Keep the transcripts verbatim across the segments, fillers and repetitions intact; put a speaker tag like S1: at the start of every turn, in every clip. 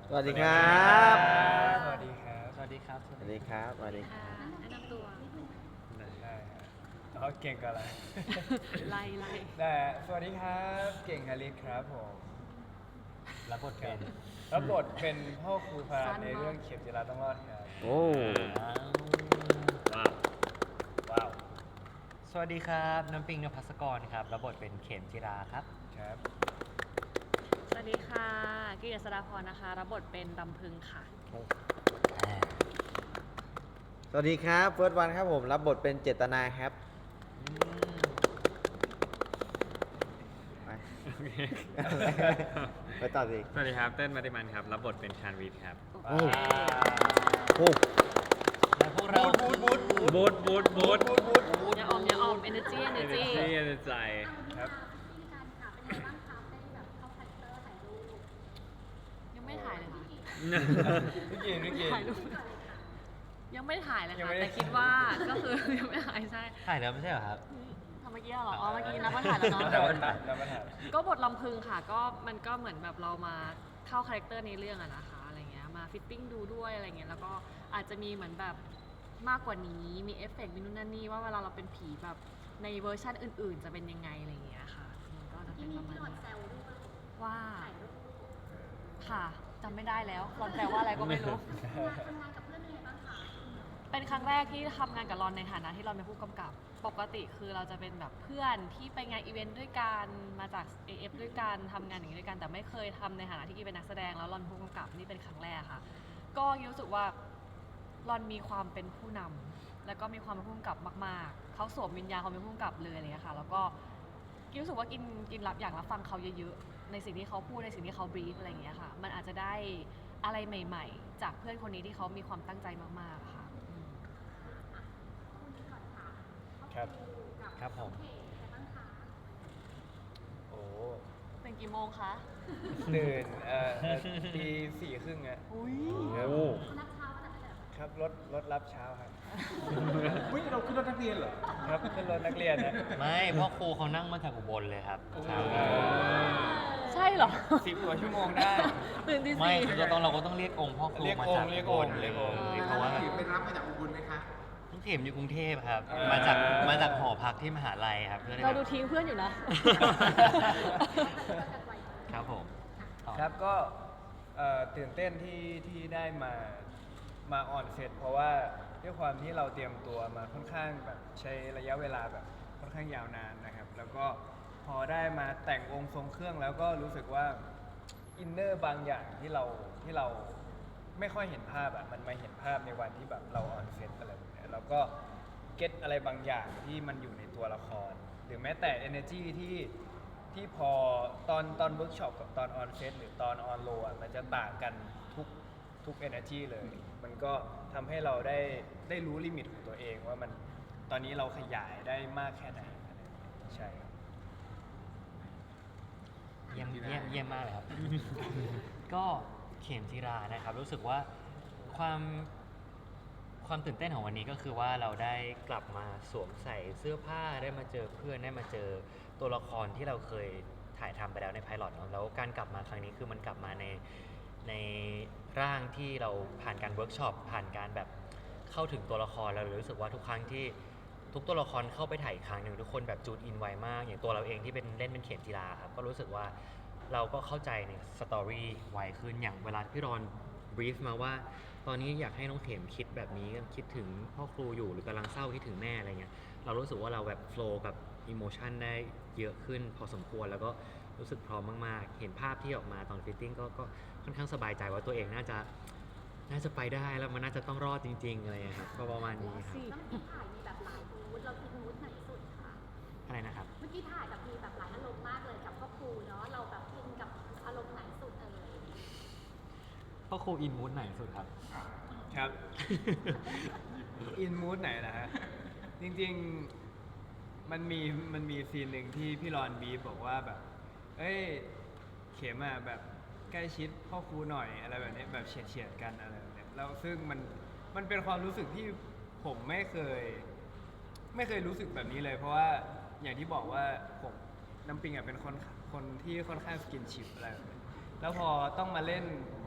S1: สวัสดีครับ
S2: สวัสดีครับ
S3: สวัสดีครับ
S1: สวัสดีครับ สวัสดีครับ
S4: แนะนำตัว
S2: ได้ฮะเขาเก่งกันอะไร
S4: ไล่ไล่
S2: ได้ฮะสวัสดีครับ เก่งฮาริสครับผม
S3: รับบทเป็น
S2: รับบทเป็นพ่อครูพาในเรื่องเข็มจิราต้องรอดครับ
S1: โอ้
S3: ว้าว ว้าว สวัสดีครับ น้ำปิงนภัสกรครับ รับบทเป็นเข็มจิราครับ
S2: ครับ
S4: สวัสดีค่ะกิตติศดาพรนะคะ รับบทเป็นลำพึงค่ะ
S1: สวัสดีครับเฟิร์สวันครับผม รับบทเป็นเจตนาครับ ไป ไปต่อสิ
S5: สวัสดีครับ เต้นมาติมันครับ รับบทเป็นชานวีทครับ
S1: โอ้โห
S3: และพวกเรา
S2: บูดบูดบูด
S5: บูธบูธบูธ
S2: บูดบูดบูด
S4: อย่าออมอย่าออม energy
S5: เอเน
S4: energy
S5: จีเอเนใจ
S2: ครับ
S4: ยังไม่ถ่ายเลยค่ะ
S2: พี่กินพี่กิน
S4: ถ่ายรูปยังไม่ถ่ายเลย
S2: ยัง
S4: ค่ะ
S2: ไม่ได้
S4: แต่คิดว่าก็คือ ยังไม่ถ่ายใช่
S3: ถ่ายแล้วไม่ใช่เหรอครับ
S4: ทำเมื่อกี้เหรอ อ๋อ เมื่อกี้นับว่าถ่ายแล้วเนาะ
S2: แล้วมาถ่ายแล้วมาถ่าย
S4: ก็บทลำพึงค่ะ ก็มันก็เหมือนแบบเรามาเข้าคาแรคเตอร์ในเรื่องอะนะคะอะไรเงี้ยมาฟิตติ้งดูด้วยอะไรเงี้ยแล้วก็อาจจะมีเหมือนแบบมากกว่านี้มีเอฟเฟกต์มีนู่นนั่นนี่ว่าเวลาเราเป็นผีแบบในเวอร์ชันอื่นๆ จะเป็นยังไงอะไรเงี้ยค่ะมันก็จะเป็นประมาณนี้ว่าค่ะจำไม่ได้แล้วรอนแปลว่าอะไรก็ไม่รู้ เป็นครั้งแรกที่ทำงานกับรอนในฐานะที่เราเป็นผู้กำกับ ปกติคือเราจะเป็นแบบเพื่อนที่ไปงานอีเวนต์ด้วยกัน มาจาก เอ เอฟ ด้วยกันทำงานอย่างนี้ด้วยกัน แต่ไม่เคยทำในฐานะที่กีเป็นนักแสดงแล้วรอนผู้กำกับนี่เป็นครั้งแรกค่ะ ก็รู้สึกว่ารอนมีความเป็นผู้นำแล้วก็มีความเป็นผู้กำกับมากๆ เขาสวมวิญญาณความเป็นผู้กำกับเลยอะไรอย่างเงี้ยค่ะ แล้วก็กินรู้สึกว่ากินกินรับอยากรับฟังเขาเยอะๆ ในสิ่งที่เขาพูดในสิ่งที่เขาบรีฟอะไรอย่างเงี้ยค่ะ มันอาจจะได้อะไรใหม่ๆ จากเพื่อนคนนี้ที่เขามีความตั้งใจมากๆค่ะ
S2: ครับ
S3: ครับผม
S2: โอ้
S4: เป็นกี่โมงคะ
S2: ตื่นเอ่อเอ่อตีสี่ครึ่งอะ
S4: อุ้ย
S2: ครับ
S5: โอ้
S2: ครับรถรถรับเช้าครับ
S6: เฮ้ยเราขึ้นรถนักเรียนเหรอ
S2: ครับขึ้นรถนักเรียนนะ
S3: ไม่พ่อครูเขานั่งมาจากอุบลเลยครับเช้านี้
S4: ใช่เหรอ
S2: สิบกว่าชั่วโมงได้
S4: ตื่นที่
S3: ไม่
S4: สี่
S3: คือเราต้องเราก็ต้องเรียกองค์พ่อครู
S2: เรียก
S3: มา
S2: องค์
S3: จาก
S2: เรียก
S3: อุ
S2: อง
S3: บ
S2: ค์
S3: ลเลย
S2: เรียกองค์
S3: เพราะว่า
S6: ถือเป็นรับมาจากอุบลไหมคะ
S3: น้องเข็มอยู่กรุงเทพครับ
S2: เออ
S3: มาจากมาจากหอพักที่มหาลัยครับเพื่อน
S4: เราดูทิ้งเพื่อนอยู่นะ
S3: ครับผมต่อ
S2: ครับก็เอ่อตื่นเต้นที่ที่ได้มามาออนเซตเพราะว่าด้วยความที่เราเตรียมตัวมาค่อนข้างแบบใช้ระยะเวลาแบบค่อนข้างยาวนานนะครับ แล้วก็พอได้มาแต่งองค์ทรงเครื่องแล้วก็รู้สึกว่าอินเนอร์บางอย่างที่เราที่เราไม่ค่อยเห็นภาพอะมันมาเห็นภาพในวันที่แบบเราออนเซตอะไรแบบเนี้ยแล้วก็เก็ตอะไรบางอย่างที่มันอยู่ในตัวละคร หรือแม้แต่ energy ที่ ที่พอตอนตอนเวิร์กช็อปกับตอนออนเซตหรือตอนออนโลอ่ะมันจะต่างกันทุกทุก energy เลย มันก็ทำให้เราได้ได้รู้ลิมิตของตัวเองว่ามันตอนนี้เราขยายได้มากแค่ไหนอะไรอย่างเงี้ยใช่ครับ
S3: เยี่ยมเยี่ยมเยี่ยมมากเลยครับ ก็เข็มจิรานะครับ รู้สึกว่าความความตื่นเต้นของวันนี้ก็คือว่าเราได้กลับมาสวมใส่เสื้อผ้าได้มาเจอเพื่อนได้มาเจอตัวละครที่เราเคยถ่ายทำไปแล้วในไพลอตเนาะแล้วการกลับมาครั้งนี้คือมันกลับมาในในร่างที่เราผ่านการเวิร์กช็อปผ่านการแบบเข้าถึงตัวละครเราเลยรู้สึกว่าทุกครั้งที่ทุกตัวละครเข้าไปถ่ายอีกครั้งหนึ่งทุกคนแบบจูดอินไวมาก อย่างตัวเราเองที่เป็นเล่นเป็นเข็มจีราครับก็รู้สึกว่าเราก็เข้าใจในสตอรี่ไวขึ้นอย่างเวลาพี่รอนบรีฟมาว่า ตอนนี้อยากให้น้องเข็มคิดแบบนี้คิดถึงพ่อครูอยู่หรือกำลังเศร้าคิดถึงแม่อะไรเงี้ยเรารู้สึกว่าเราแบบโฟล์กับอิโมชันได้เยอะขึ้นพอสมควรแล้วก็รู้สึกพร้อมมากๆ เห็นภาพที่ออกมาตอนฟิตติ้งก็ก็ค่อนข้างสบายใจว่าตัวเองน่าจะน่าจะไปได้แล้วมันน่าจะต้องรอดจริงๆอะไรเงี้ยครับก็ประมาณนี้ครับ
S4: สิ
S7: เมื่อกี้ถ่ายมีแบบหลายมูดเราคิดมูดไหนสุดคะ
S3: อะไรนะครับ
S7: เมื่อกี้ถ่ายแบบมีแบบหลายอารมณ์มากเลยกับพ่อครูเนาะ เราแบบอินกับอารมณ์ไหนสุดเอ่ย
S3: พ่อครูอินมูดไหนสุดครับ
S2: ครับ อินมูดไหนนะฮะ จริงๆ มันมีมันมีซีนหนึ่งที่พี่รอนบีฟบอกว่าแบบ เอ้ย เข็มอ่ะแบบใกล้ชิดพ่อครูหน่อยอะไรแบบนี้แบบเฉียดเฉียดๆกันอะไรแบบนี้แล้วซึ่งมันมันเป็นความรู้สึกที่ผมไม่เคย ไม่เคยรู้สึกแบบนี้เลย เพราะว่าอย่างที่บอกว่าผมน้ำปิงอ่ะเป็นคนคนที่ค่อนข้างสกินชิปอะไรแบบนี้แล้วพอต้องมาเล่น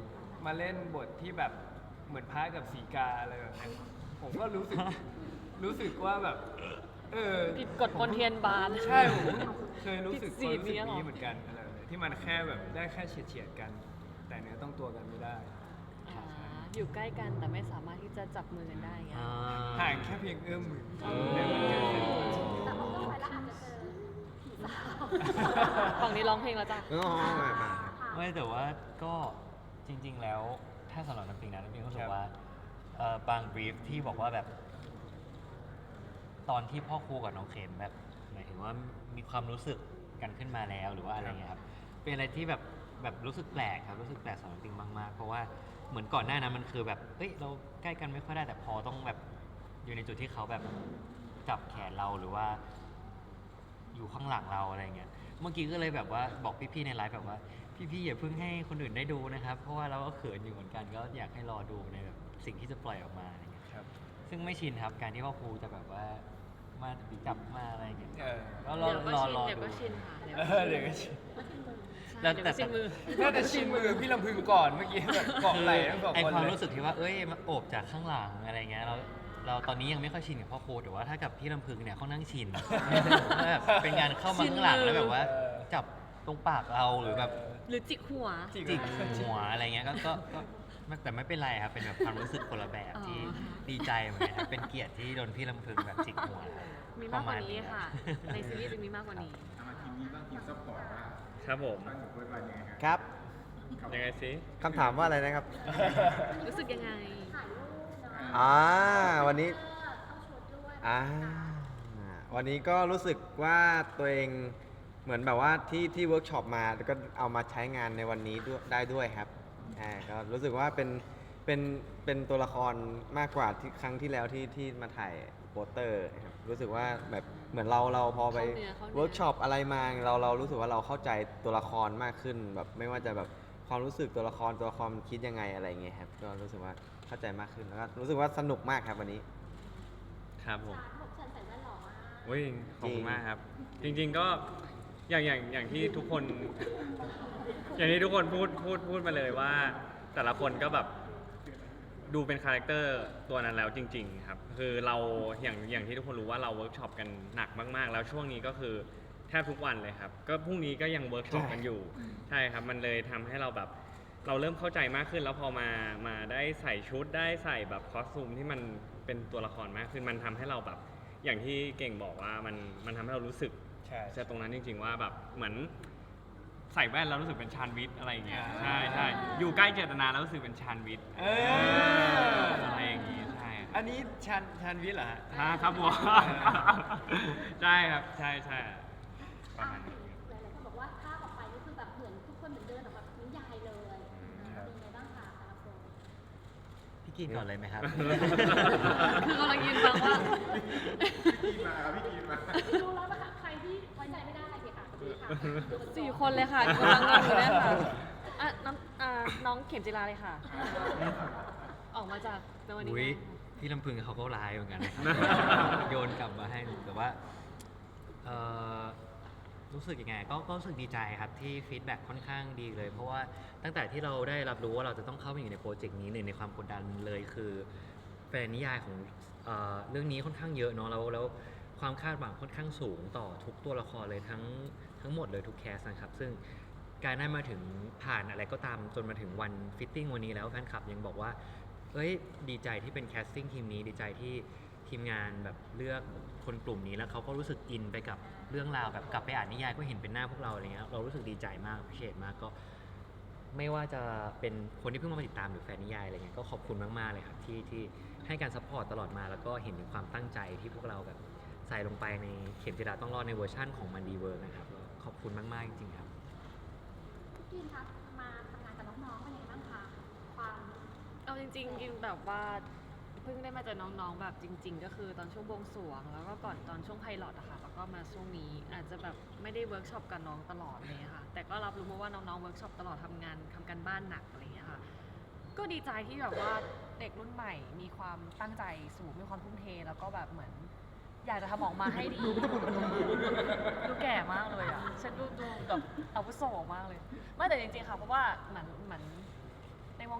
S2: มาเล่นบทที่แบบเหมือนพระกับสีกาอะไรแบบเนี้ยผมก็รู้สึก รู้สึกว่าแบบ เออ
S4: ผิดกฎมนเทียนบาน
S2: ใช่ผมเคยรู้สึก
S4: ผิดศีล
S2: ความรู้สึก
S4: เนี่ยหรอ
S2: นี้เหมือนกันอะไรแบบเนี้ยที่มันแค่แบบได้แค่เฉียดเฉียดๆกัน แต่เนื้อต้องตัวกันไม่ได้
S4: อ่าอยู่ใกล้กันแต่ไม่สามารถที่จะจับมือกันได้ไง
S3: อ่า
S2: ห่างแค่เพียงเอื้อมมือ
S4: เออ
S2: แต่มันเกิดขึ้น
S7: แต่พอเข้าไปแล้วอาจจะเจอผีสาว
S4: ฝั่งนี้ร้องเพลงแล้วจ้ะ
S1: อ๋อมามา
S3: ไม่แต่ว่าก็จริง ๆ แล้วถ้าสำหรับน้ำปิงนะน้ำปิงรู้สึ
S2: ครั
S3: ก
S2: บ
S3: ว่าเอ่อบางบรีฟที่บอกว่าแบบ ตอนที่พ่อครูกับน้องเข็มแบบหมายถึงว่ามีความรู้สึกกันขึ้นมาแล้วหรือว่าอะไรเงี้ยครับเป็นอะไรที่แบบแบบรู้สึกแปลกครับรู้สึกแปลกสำหรับน้ำปิงมากๆเพราะว่าเหมือนก่อนหน้านั้นมันคือแบบเอ้ยเราใกล้กันไม่ค่อยได้แต่พอต้องแบบอยู่ในจุดที่เขาแบบจับแขนเราหรือว่า อยู่ข้างหลังเราอะไรเงี้ย เมื่อกี้ก็เลยแบบว่าบอกพี่ๆในไลฟ์แบบว่า พี่ๆอย่าเพิ่งให้คนอื่นได้ดูนะครับ เพราะว่าเราก็เขินอยู่เหมือนกันก็อยากให้รอดูในแบบสิ่งที่จะปล่อยออกมาอะไรเงี้ย
S2: ครับ
S3: ซึ่งไม่ชินครับการที่พ่อครูจะแบบว่ามาจับมาอะไรเงี้ย
S2: เออ
S3: ก็รอ
S4: เดี๋ยวก็
S3: รอ
S4: ชิน
S3: รอ
S4: เดี๋ยว
S3: ดู
S4: ก็ชินค่ะเดี๋ยว
S2: เอ
S4: ก็
S2: อ
S4: ชิน
S2: เดี๋ยวก็ชิน
S3: แล้ว
S4: เดี๋ยวก็ชินมือ
S2: น่าจะชินมือพี่ลำพึงก่อนเมื่อกี้แบบเกาะไหล่ทั้งสอง
S3: ไอ
S2: คน
S3: ความ
S2: เลย
S3: รู้สึกที่ว่าเอ้ยมาโอบจากข้างหลังอะไรเงี้ยเราเราตอนนี้ยังไม่ค่อยชินกับพ่อครูแต่ว่าถ้ากับพี่ลำพึงเนี่ยเขานั่งชิน แบบเป็นการเข้ามาข้างหลังแล้วแบบว่า
S2: เออ
S3: จับตรงปากเราหรือแบบ
S4: หรือจิกหัว
S2: จิก
S3: จิกหัวอะไรเงี้ยก็ก็ก็ไม่แต่ไม่เป็นไรครับ เป็นแบบความรู้สึกคนละแบบ
S4: อ๋อ
S3: ที่ดีใจเหมือนกันครับเป็นเกียรติที่โดนพี่ลำพึงแบบจิกหัวครับ
S4: มีมากกว่านี้
S3: ปรณ
S4: ค่ะ ในซีรีส์จะมีมากกว่านี้
S6: เอามาทีมนี้บ้างทีมซัพพอร์ตว่า
S5: ครับผม
S6: บ้านของเฟิร์สวันยังไงครับ
S1: ครับ
S5: ยังไงสิ
S1: คำถามว่าอะไรนะครับ
S4: รู้สึกยังไง
S7: ถ่ายรูปเนาะ
S1: อ่าวันนี้
S7: เออเข้าชุดด้วย
S1: อ่าวันนี้ก็รู้สึกว่าตัวเองเหมือนแบบว่าที่ที่เวิร์กช็อปมาแล้วก็เอามาใช้งานในวันนี้ด้วยได้ด้วยครับอ่าก็รู้สึกว่าเป็นเป็นเป็นตัวละครมากกว่าที่ครั้งที่แล้วที่ที่มาถ่ายโปสเตอร์ครับรู้สึกว่าแบบเหมือนเราเราพอไป
S4: เข้าเนื้อเข้าเนื้อ
S1: เวิร์กช็อปอะไรมาเราเรารู้สึกว่าเราเข้าใจตัวละครมากขึ้นแบบไม่ว่าจะแบบความรู้สึกตัวละครตัวละครมันคิดยังไงอะไรเงี้ยครับก็รู้สึกว่าเข้าใจมากขึ้นแล้วก็รู้สึกว่าสนุกมากครับวันนี้
S5: ครับผม
S7: สามหกเชิญใส่แว่นหล่อมาก
S5: อุ้ยขอบคุณมากครับ จริงๆก็อย่างอย่างอย่างที่ทุกคน อย่างที่ทุกคนพูดพูดพูดมาเลยว่า แต่ละคนก็แบบดูเป็นคาแรคเตอร์ตัวนั้นแล้วจริง ๆ ครับ คือเราอย่างอย่างที่ทุกคนรู้ว่าเราเวิร์กช็อปกันหนักมากๆ แล้วช่วงนี้ก็คือแทบทุกวันเลยครับ ก็พรุ่งนี้ก็ยังเวิร์กช็อปกันอยู่ ใช่ครับ มันเลยทำให้เราแบบเราเริ่มเข้าใจมากขึ้น แล้วพอมามาได้ใส่ชุดได้ใส่แบบคอสตูมที่มันเป็นตัวละครมากขึ้นมันทำให้เราแบบอย่างที่เก่งบอกว่ามันมันทำให้เรารู้สึก
S2: ใช่
S5: จะตรงนั้นจริง ๆ ว่าแบบเหมือนใส่แว่นแล้วรู้สึกเป็นชานวิทย์อะไรอย่างเงี้ย
S2: อ่า
S5: ใช่ใช่อยู่ใกล้เจตนาแล้วรู้สึกเป็นชานวิทย์
S2: เออ
S5: อะไรอย่างงี้ใช่
S2: อันนี้ชันชันวิทย์เหรอฮะ
S5: อ่าครับผม ใช่ครับใช่ใช่ประมาณนั้นครับ
S7: หลายๆคนบอกว่าภาพออกไปนี่คือแบบเหมือนทุกคนเหมือนเดินออกมาจากนิยายเลย
S2: ครับ
S7: เป็นไงบ้างคะแต่ละคน
S3: พี่กินก่อนเลยไหมครับ
S4: คือกำลังยืนฟังว่า
S6: พี่กีมาครับพี่กีมา
S7: ดูแล้วนะคะใครที่ไว้ใจไม่ได้เลยค่ะดีค่ะดูกัน
S4: สี่คนเลยค่ะกำลังงงอยู่เนี่ยค่ะอ่ะน้องอ่าน้องเข็มจิราเลยค่ะ ออกมาจากในวันนี้
S3: อุ้ย
S4: นะ
S3: พี่ลำพึงเขาก็ร้ายเหมือนกันนะครับ โยนกลับมาให้หนูแต่ว่าเอ่อรู้สึกยังไงก็ก็รู้สึกดีใจครับที่ฟีดแบ็กค่อนข้างดีเลย เพราะว่าตั้งแต่ที่เราได้รับรู้ว่าเราจะต้องเข้ามาอยู่ในโปรเจกต์นี้หนึ่งในความกดดันเลยคือแฟนนิยายของเอ่อเรื่องนี้ค่อนข้างเยอะเนาะแล้วแล้วความคาดหวังค่อนข้างสูงต่อทุกตัวละครเลยทั้งทั้งหมดเลยทุกแคสนะครับซึ่งการได้มาถึงผ่านอะไรก็ตามจนมาถึงวันฟิตติ้งวันนี้แล้วแฟนคลับยังบอกว่า เอ้ยดีใจที่เป็นแคสติ้งทีมนี้ดีใจที่ทีมงานแบบเลือกคนกลุ่มนี้แล้วเขาก็รู้สึกอินไปกับเรื่องราวแบบกลับไปอ่านนิยายก็เห็นเป็นหน้าพวกเราอะไรเงี้ยเรารู้สึกดีใจมากพิเศษมากก็ ไม่ว่าจะเป็นคนที่เพิ่งมาติดตามหรือแฟนนิยายอะไรเงี้ยก็ขอบคุณมากๆเลยครับที่ที่ให้การซัพพอร์ตตลอดมาแล้วก็เห็นถึงความตั้งใจที่พวกเราแบบใส่ลงไปในเข็มจิราต้องรอดในเวอร์ชั่นของมันดีเวิร์กนะครับแล้วขอบคุณมากๆจริงๆครับ
S7: พี่กินคะมาทำงานกับน้องๆเป็นยังไงบ้างคะความ
S4: เอาจริงๆกินแบบว่าเพิ่งได้มาเจอน้องๆแบบจริง ๆ ก็คือตอนช่วงบวงสรวงแล้วก็ก่อนตอนช่วงไพลอตอะค่ะแล้วก็มาช่วงนี้อาจจะแบบไม่ได้เวิร์กช็อปกับน้องตลอดเลยค่ะแต่ก็รับรู้มาว่าน้องๆเวิร์กช็อปตลอดทำงานทำการบ้านหนักอะไรอย่างเงี้ยค่ะก็ดีใจที่แบบว่าเด็กรุ่นใหม่มีความตั้งใจสูงมีความทุ่มเทแล้วก็แบบเหมือน อยากจะทำออกมาให้ดี ดูแก่มากเลยอ่ะฉันดูดูแบบอาวุโสมากเลยไม่แต่จริงๆค่ะเพราะว่าเหมือนเหมือนในวง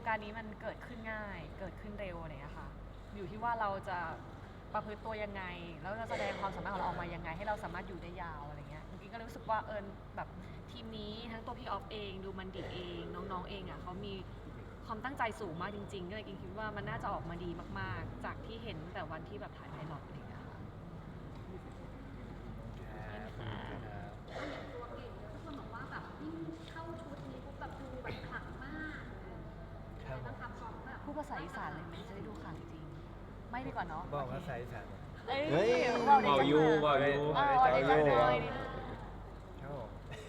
S4: การณ์นี้มันเกิดขึ้นง่าย เกิดขึ้นเร็วอะไรอย่างเงี้ยค่ะ อยู่ที่ว่าเราจะประพฤติตัวยังไง แล้วจะแสดงความสามารถของเราออกมายังไง ให้เราสามารถอยู่ได้ยาวอะไรเงี้ยกิ๊งก็เลยรู้สึกว่าเอิญแบบทีมนี้ทั้งตัวพี่ออฟเองดูมันดิเองน้องๆเองอ่ะเขามีความตั้งใจสูงมากจริงๆก็เลยกิ๊งคิดว่ามันน่าจะออกมาดีมากๆ จากที่เห็นแต่วันที่แบบถ่ายไพลอตอะไรอย่างเงี้ยค่ะ
S7: ตัวเก่งเลยทุกคนบอกว่าแบบยิ่งเข้าชุดนี้ปุ๊บแบบดูแบบขลังมากเลยต้องทำของแบบ
S4: พูดภาษาอีสานเลยไหมจะได้ดูข่าวจริงๆไม่ดีกว่าเนาะ
S2: บอกว่าใส่สาร
S4: เอ้ย
S1: เฮ้ย
S4: บอกได้
S5: เบา
S4: จัง
S5: ยู
S4: เลย
S5: เบายู
S4: เออบอกได้จังเลย
S2: ครับผม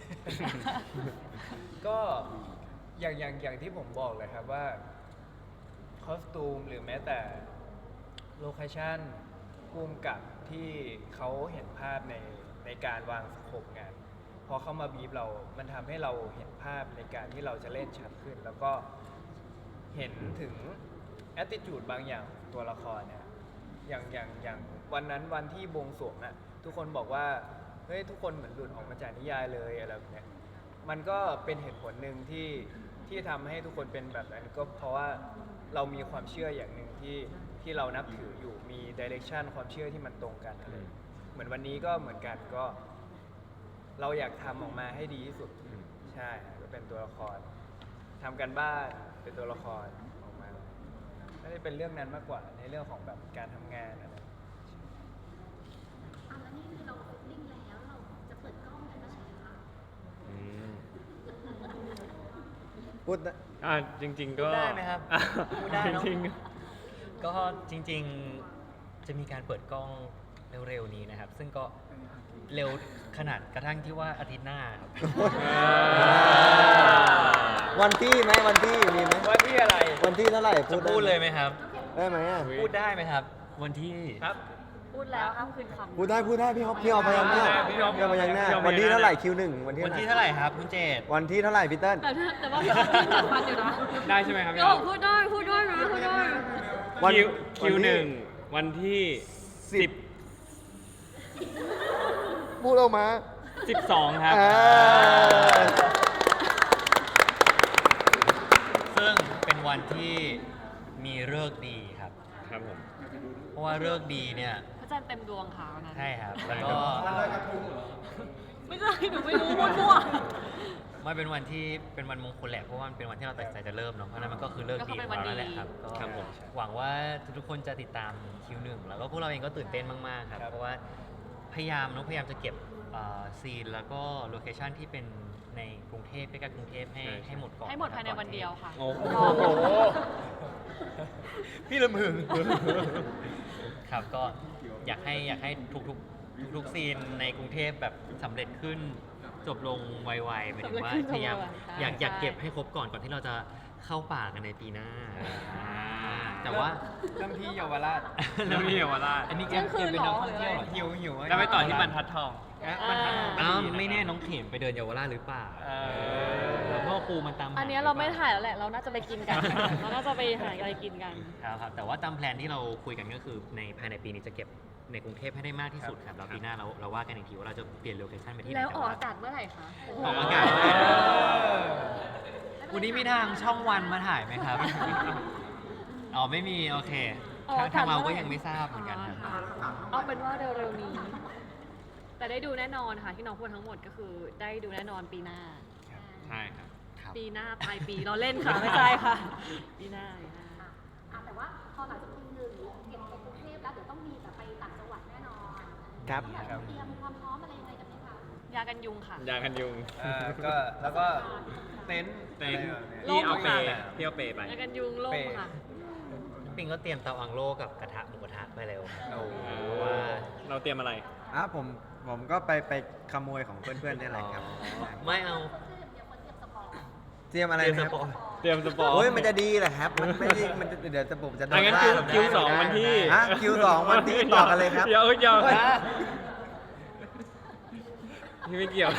S2: ก็อย่างอย่างอย่างที่ผมบอกเลยครับว่าคอสตูมหรือแม้แต่โลเคชั่นภูมิกับที่เขาเห็นภาพในในการวางสโคปงานพอเข้ามาบีบเรา มันทำให้เราเห็นภาพในการที่เราจะเล่นชัดขึ้น แล้วก็เห็นถึง attitude บางอย่างของตัวละครเนี่ยอย่างอย่างอย่างวันนั้นวันที่บวงสรวงอะทุกคนบอกว่าเฮ้ยทุกคนเหมือนหลุดออกมาจากนิยายเลยอะไรแบบเนี้ยมันก็เป็นเหตุผลหนึ่งที่ที่ทำให้ทุกคนเป็นแบบนั้นก็เพราะว่าเรามีความเชื่ออย่างหนึ่งที่ที่เรานับถืออยู่มีดิเรกชันความเชื่อที่มันตรงกันอะไรเหมือนวันนี้ก็เหมือนกันก็ เราอยากทำออกมาให้ดีที่สุดใช่ก็เป็นตัวละครทำกันบ้านเป็นตัวละครออกมาไม่ได้เป็นเรื่องนั้นมากกว่าในเรื่องของแบบการทำงานอะไร
S7: อ่ะแล้วนี่คือเราฟิตติ้งแล้วเราจะเปิดกล้องกันเมื่อไหร่คะ
S1: อืมพูดนะ
S5: อ่าจริง ๆ ก็
S3: พูดได้ไหมครับ
S5: อ่ะ
S3: พูดได้เนอะ
S5: จริง
S3: ก็จริงๆจะมีการเปิดกล้องเร็วๆนี้นะครับ ซึ่งก็เร็วขนาดกระทั่งที่ว่าอาทิตย์หน้าครับ
S1: วันที่ไหมวันที่มีไหม
S2: ว่าที่อะไร
S1: วันที่เท่าไหร่
S3: จะพูดเลยไหมครับ
S1: ได้ไหมอ่ะ
S3: พูดได้ไหมครับ วันที่
S2: ครับ
S4: พูดแล้วห้ามคืนคำ
S1: พูดได้พูดได้พี่ฮอปพี่ฮอปพยัญชนะ
S2: พี่ฮอป
S1: พี่ฮอปพยัญชนะ
S5: พี่ฮอปพยัญชนะ
S1: วันที่เท่าไหร่คิวหนึ่งวันที่
S3: วันที่
S1: เท่า
S3: เท่า
S1: ไห
S3: ไห
S1: ร่
S3: ร่ครับคุณเจต
S1: วันที่เท่าไหร่พี่เติ้ล
S4: แต่ถ้าแต่ว่าพี่ออฟยังจัดฟันอยู่นะ
S5: ๆ ได้ใช่ไหมครับ
S4: พี่ออฟพูดได้พูดได้นะพูดได้
S1: วัน
S5: คิวคิว
S1: วันที่
S5: หนึ่งวันที่
S1: สิ
S5: สิ
S1: บบ พูดออกมา
S5: สิบสองครับ
S1: เออ
S3: ซึ่งเป็นวันที่มีฤกษ์ดีครับ
S5: ครับผม
S3: เพราะว่าฤกษ์ดีเนี่ย
S4: พระจันทร์เต็มดวงค่ะวันนั้น
S3: ใช่ครับ แล้วก็
S4: ไม่ใช่หนูไม่รู้มั่ว
S3: มันเป็นวันที่เป็นวันมงคลแหละเพราะว่ามันเป็นวันที่เราตัดสินใจจะเริ่มเนาะเพราะฉะนั้นมันก็คือเลิกดีของเราแล้วแหละครับก็
S5: ครับผม
S3: หวังว่าทุกๆคนจะติดตามคิวหนึ่งแล้วก็พวกเราเองก็ตื่นเต้นมากๆครับ
S2: ครับ
S3: เพราะว่าพยายามเนาะพยายามจะเก็บเอ่อซีนแล้วก็โลเคชั่นที่เป็นในกรุงเทพใกล้ๆกรุงเทพให้
S5: ใช่ใช่
S3: ให้หมดก่อน
S4: ๆให้หมดภายในวันเดียวค่ะ
S5: โอ้โห
S4: รอก่อน
S3: พี่ละมึง ครับก็อยากให้อยากให้ทุกๆทุกๆซีนในกรุงเทพแบบสำเร็จขึ้นจบลงไวๆหมายถึงว่า
S4: สำเร็จขึ้น
S3: พยายาม
S4: จบไวๆใช่
S3: อยากอยาก
S4: ใช่
S3: เก็บให้ครบก่อนก่อนที่เราจะเข้าป่ากันในปีหน้าอ่าแต่ว่า
S2: เริ่มที่เยาวราช
S5: เริ่มที่เยาวราช
S3: อันนี้แก
S4: เที่ยงคืน
S3: เป็นนักท่อง
S4: เหรอ
S3: เที่ยวเหรอ
S2: หิวหิว
S5: แล้วไปต่อที่บรรทัดทอง
S2: อ่ะมัน
S3: อ้าวไม่แน่น้องเข็มไปเดินเยาวราชหรือเปล่า
S2: เออ
S3: แล้วพ่อครูมันตามห
S4: อันเนี้ยเราไม่ถ่ายแล้วแหละ เราน่าจะไปกินกัน เราน่าจะไปหาอะไรกินกัน
S3: ครับครับแต่ว่าตามแพลนที่เราคุยกันก็คือในภายในปีนี้จะเก็บในกรุงเทพให้ได้มากที่สุดครับแล้วปีหน้าเราเราว่ากันอีกทีว่าเราจะเปลี่ยนโลเคชั่นไปที่ไหน
S4: แล้วออก
S3: ต่
S4: อากาศเมื่อไหร่คะ
S3: ออกอากาศ
S2: เออ
S3: วันนี้มีทางช่องวันมาถ่ายไหมครับ อ๋อไม่มีโอเคทางทางเราก็ยังไม่ทราบเหมือนกันครับ
S4: อ๋อค่ะเอาเป็นว่าเร็วๆนี้ แต่ได้ดูแน่นอนค่ะที่น้องพูดทั้งหมดก็คือได้ดูแน่นอนปีหน้า
S5: ใช่ครับ
S3: ครับ
S4: ปีหน้าปลายปีเราเล่นค่ะ ไม่ใช่ค่ะ ปีหน้าปีหน้า
S7: อ่ะอ่ะแต่ว่าพอหลังจากคิวหนึ่งเก็บในกรุงเทพแล้วเดี๋ยวต้องมีแบบไปต่างจังหวัดแน่นอน
S1: ครับ
S7: อยากจะเตรียมความพร้อมอะไรยังไงกันไหมคะ
S4: ยากันยุงค่ะ
S5: ยากันยุง
S2: อ่าก็แล้วก็เต็นท์
S5: เต็นท์
S2: อะไรแบบนี้
S5: ที่เอาเป
S2: ล่ม
S5: ย์
S2: ค่ะ
S5: ที่เอาเปย์ไป
S4: ยากันยุงล่มค่ะ
S3: ปิงก็เตรียมเตาอังโลกับกระทะหมูกระทะไปเร็ว
S2: โอ้โห
S3: ว่า
S5: เราเตรียมอะไร
S1: อ่ะผมผมก็ไปไปขโมยของเพื่อนๆนี่แหละครับ
S3: ไม่เอา
S1: เตรียมอะไร
S3: เตรียม
S1: นะ
S3: ส
S1: ครับ
S3: ปอย
S5: เตรียมสปอร์ต
S1: โอ้ยมันจะดีเหรอครับ มันไม่ได้มันจะเดี๋ยวจะผมจะโด
S5: อ่ะ
S1: น
S5: งั้น
S1: ว่า
S5: คิว
S1: แบบ
S5: คิวสอง
S1: ไม่ได้
S5: วันที่
S1: ฮะคิวสองวันที่ต่อกันเลยครับ
S5: เดี๋ยวเดี๋ยว
S1: เฮ้ย
S5: พี่ไม่เกี่ยว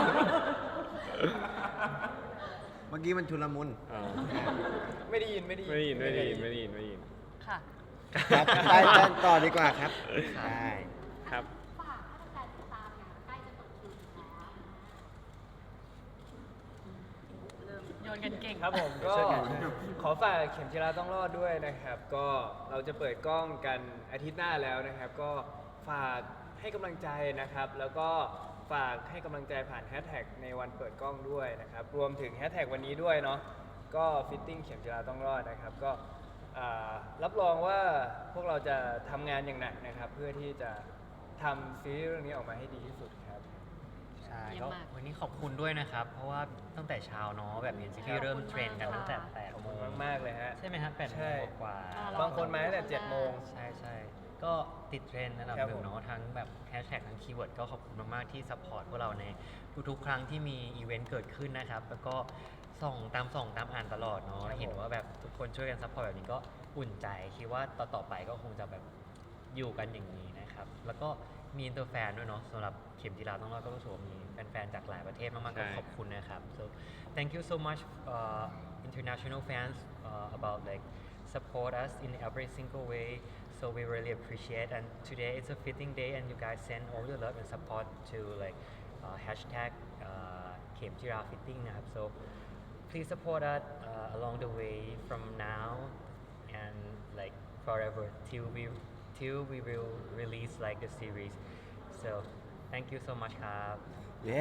S1: เมื่อกี้มันชุลมุน
S5: อ๋อ
S2: ไม่ได้ยินไม่ได้ยิน
S5: ไม่ได้ยินไม่ได้ยินไม่ได้ยินไม่ได้ยิน
S4: ค่ะ
S1: ครับไปกันต่อดีกว่าครับใช่
S5: ครับ
S7: ฝากให้แฟนๆติดตามเนี่ยใกล้จะเปิดคิวแล้ว
S4: ยนกันเก่ง
S2: ครับผมก็ขอฝากเข็มจีราต้องรอดด้วยนะครับ ก็เราจะเปิดกล้องกันอาทิตย์หน้าแล้วนะครับ ก็ฝากให้กำลังใจนะครับ แล้วก็ฝากให้กำลังใจผ่านแฮชแท็กในวันเปิดกล้องด้วยนะครับ รวมถึงแฮชแท็กวันนี้ด้วยเนาะก็ฟิตติ้งเข็มจีราต้องรอดนะครับ ก็อ่ารับรองว่าพวกเราจะทำงานอย่างหนักนะครับ เพื่อที่จะทำซีรีส์เรื่องนี้ออกมาให้ดีที่สุดครับ
S3: ใช่
S4: เยี่ย
S3: ก็
S4: มมาก
S3: วันนี้ขอบคุณด้วยนะครับ เพราะว่าตั้งแต่เช้าเนาะแบบเอ็นซีที่เริ่มเทรนกันตั้งแต่แปด
S2: ขอบ
S3: โม
S2: คุณ
S3: ง
S2: มากๆเลยฮะ
S3: ใช่ไหมครับแปดโม
S2: ใช่
S3: งกว่า
S4: อ่า
S2: บางคนมาตั้งแต่เจ็ดโมง
S3: ใช่ใช่ก็ติดเทรนด์ระดับ
S2: ครับ
S3: หนึ่
S2: ผ
S3: ง
S2: ม
S3: เนาะทั้งแบบแฮชแท็กทั้งคีย์เวิร์ดก็ขอบคุณมาก ๆ ที่ซัพพอร์ตพวกเราในทุก ๆ ครั้งที่มีอีเวนต์เกิดขึ้นนะครับ แล้วก็ส่องตามส่องตามอ่านตลอดเนาะเห็นว่าแบบทุกคนช่วยกันซัพพอร์ตแบบนี้ก็อุ่นใจ คิดว่าต่อ ๆ ไปก็คงจะแบบอยู่กันอย่างนี้นะครับ แล้วก็มีอินเตอร์แฟนด้วยเนาะสำหรับเข็มจีราต้องรอดก็รู้สึกว่ามีแฟน ๆ จากหลายประเทศมาก ๆ ก็
S5: ใช่
S3: ขอบคุณนะครับ so thank you so much uh, international fans uh, about like support us in every single way. So we really appreciate. And today it's a fitting day, and you guys send all your love and support to like uh, hashtag uh, Kem Jira Fitting. uh, So please support us uh, along the way from now and like forever till we till we will release like the series. So thank you so much, ครับ
S1: เย้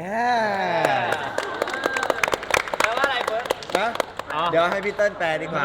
S2: แปลว่าอะไรเฟิร์ส
S1: นะ
S5: อ๋อ
S1: เดี๋ยวให้พี่เติ้ลแปลดีกว่า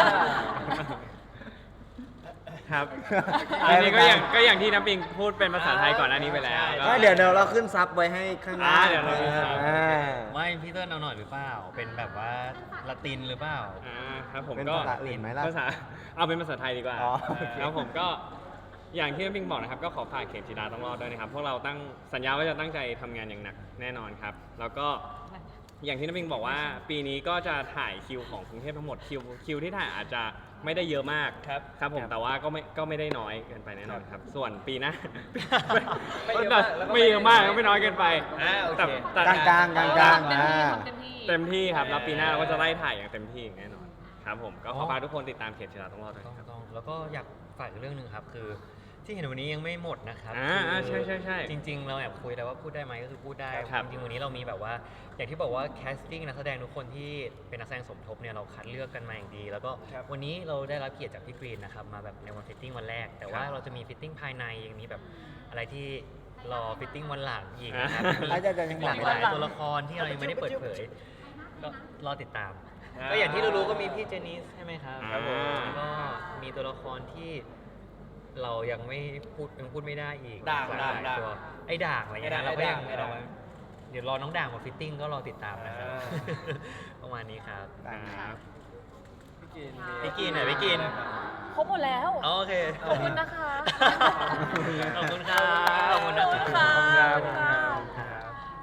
S5: ครับ
S1: แปล
S5: อัน
S1: เป็
S5: นี้
S1: น
S5: ก็อย่าง
S1: ไง
S5: ก็อย่างที่น้ำปิงพูดเป็นภาษาไทยก่อนหน้านี้ไปแล้วก็
S1: ไม่เดี๋ยวเดี๋ยวเราขึ้นซับไว้ให้ข้างหน้า
S5: อ่าเดี๋ยวเราขึ้นซับ
S1: อ่า
S3: ไม่พี่เติ้ลเอาหน่อยหรือเปล่า เป็นแบบว่าละตินหรือเปล่า
S5: อ่าครับผม
S1: เป็น
S5: ก็
S1: ภาษาอื่นไหมล่ะ
S5: ภาษาเอาเป็นภาษาไทยดีกว่า
S1: อ๋อโอเค
S5: แล้วผมก็อย่างที่น้ำปิงบอกนะครับ ก็ขอฝากเข็มจีราต้องรอดด้วยนะครับพวกเราตั้งสัญญาว่าจะตั้งใจทำงานอย่างหนักแน่นอนครับ แล้วก็อย่างที่น้ำปิงบอกว่า ปีนี้ก็จะถ่ายคิวของกรุงเทพทั้งหมดคิวคิวที่ถ่ายอาจจะไม่ได้เยอะมาก
S2: ครับ
S5: ครับผมแต่ว่าก็ไม่ก็ไม่ได้น้อยเกินไปแน่นอนครับ ส่วนปีหน้า
S2: ไม่เยอะมากแล้วก็
S5: ไม่เยอะมากก็ไม่น้อยเกินไป
S2: อ่าโอเค
S5: แต่แต่
S1: กลางๆกลางๆกลางๆ
S4: เต็มที่
S1: อ่า
S4: ทำเต็มที่
S5: เต็มที่ครับแล้วปีหน้าเราก็จะไล่ถ่ายอย่างเต็มที่อย่างแน่นอนครับผมก็ข
S3: อ๋
S5: อ
S3: อ
S5: ฝากทุกคนติดตามเข็มจีราต้องรอดด้วย
S3: ต้อง
S5: ครับ
S3: ต้องแล้วก็อยากฝากอีกเรื่องหนึ่งครับ คือที่เห็นวันนี้ยังไม่หมดนะครับ
S5: อ่าอ่า
S3: คือ
S5: ใช่ใช่ใช่
S3: จริง ๆ เราแอบคุยแต่ว่าพูดได้ไหมก็คือพูดได้
S5: ครับ
S3: จริงๆวันนี้เรามีแบบว่า อย่างที่บอกว่าแคสติ้งนักแสดงทุกคนที่เป็นนักแสดงสมทบเนี่ยเราคัดเลือกกันมาอย่างดี แล้วก็
S2: ครับ
S3: วันนี้เราได้รับเกียรติจากพี่กรีนนะครับมาแบบในวันฟิตติ้งวันแรก แต่ว่า
S5: ครับ
S3: เราจะมีฟิตติ้งภายในยังมีแบบอะไรที่รอฟิตติ้งวันหลังอีกนะครับ
S5: อ่า
S3: มี
S1: อาจจะยังหลัง
S3: หลายตัวละครที่เรายังไม่ได้เปิดเผย ก็รอติดตาม ก็อย่างที่รู้ๆก็มีพี่เจนิสใช่ไหมครับ
S5: ครับผม
S3: แล้วก็มีตัวละครที่เรายังไม่พูดยังพูดไม่ได้อีก
S2: ด่าง
S3: หลย
S2: ด่าง
S3: หลายตัวไอ้ด่างอะไรเงี้ยนะ
S2: ไอ้
S3: เราก็ยัง
S2: ด่างไอ้ด่าง
S3: เราเดี๋ยวรอน้องด่างมาฟิตติ้งก็รอติดตามนะครับ
S2: อ่า
S3: ประมาณนี้ครับ
S1: ได้ครับ
S2: พี่กิน
S3: พี่กินไหนพี่กิน
S4: ครบหมดแล้ว
S3: โอเค
S4: ขอบคุณนะคะ
S3: ขอบคุณครับขอบคุณนะ
S4: ขอบคุณ
S3: ค
S4: ค่ะ
S3: รับ
S4: ขอบคุณค่ะ
S3: ครับ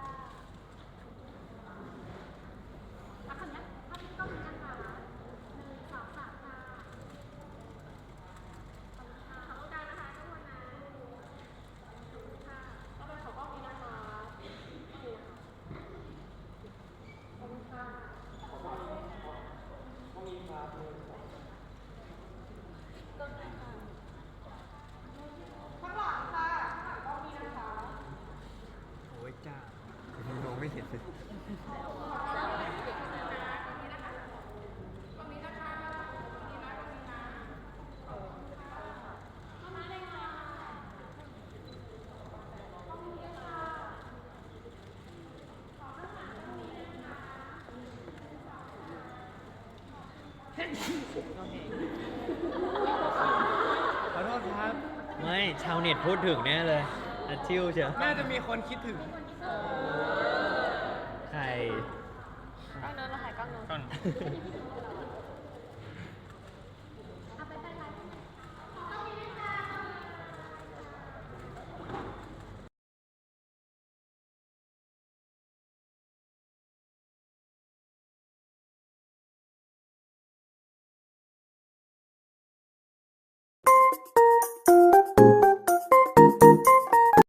S7: แล้วคราวเนี้ยถ้าพี่ต้องมีนะคะหนึ่งสองสามค่ะขอบคุณค่ะขอบคุณนะคะทุกคนนะขอบคุณค่ะแล้วไปขอกล้องนี้นะคะขอบคุณค่ะข้างหลังค่ะข้างหลังกล้องนี้นะคะ
S1: โอ้ยจ้า มองไม่เห็นเลย
S2: ขอโทษครับ
S3: ไม่ชาวเน็ตพูดถึงแน่เลยอัดชิวเชียว
S2: น่าจะมีคนคิดถึง
S3: ใคร
S4: กล้องนู้นเราถ่ายกล้องนู้น
S5: ก่อน